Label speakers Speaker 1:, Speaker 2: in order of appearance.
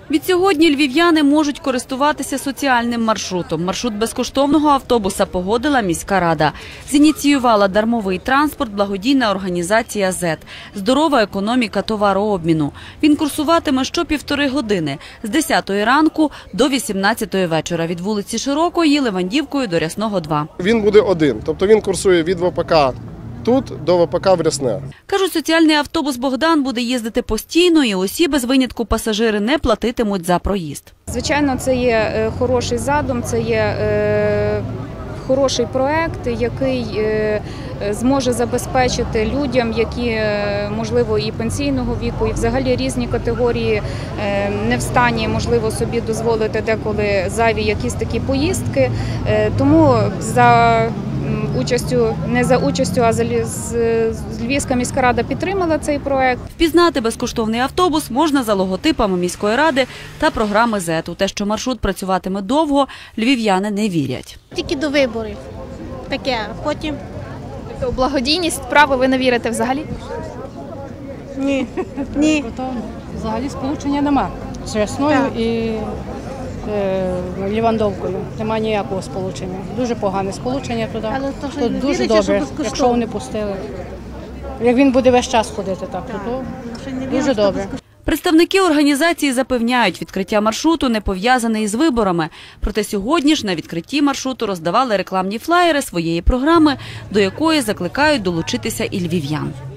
Speaker 1: Відсьогодні львів'яни можуть користуватися соціальним маршрутом. Маршрут безкоштовного автобуса погодила міська рада. Зініціювала дармовий транспорт благодійна організація «ЗЕТ» – «Здорова економіка товарообміну». Він курсуватиме що 1,5 години – з 10 ранку до 18 вечора від вулиці Широкої Левандівкою до Рясного 2.
Speaker 2: Він буде один, тобто він курсує від ВПК тут до ВПК в Рясне.
Speaker 1: Кажуть, соціальний автобус «Богдан» буде їздити постійно і усі без винятку пасажири не платитимуть за проїзд.
Speaker 3: Звичайно, це є хороший задум, це є хороший проект, який зможе забезпечити людям, які, можливо, і пенсійного віку, і взагалі різні категорії не в стані, можливо, собі дозволити деколи зайві якісь такі поїздки. Тому не за участю, а Львівська міська рада підтримала цей проект.
Speaker 1: Впізнати безкоштовний автобус можна за логотипами міської ради та програми «ЗЕТ». У те, що маршрут працюватиме довго, львів'яни не вірять.
Speaker 4: Тільки до виборів. Таке, потім.
Speaker 5: У благодійність справи ви не вірите взагалі?
Speaker 4: Ні. Ні.
Speaker 6: Взагалі сполучення нема з Рясною і Лівандовкою. Нема ніякого сполучення. Дуже погане сполучення туди. Тут дуже добре, якщо вони пустили. Як він буде весь час ходити так, то дуже добре.
Speaker 1: Представники організації запевняють, відкриття маршруту не пов'язане із виборами. Проте сьогодні ж на відкритті маршруту роздавали рекламні флаєри своєї програми, до якої закликають долучитися і львів'ян.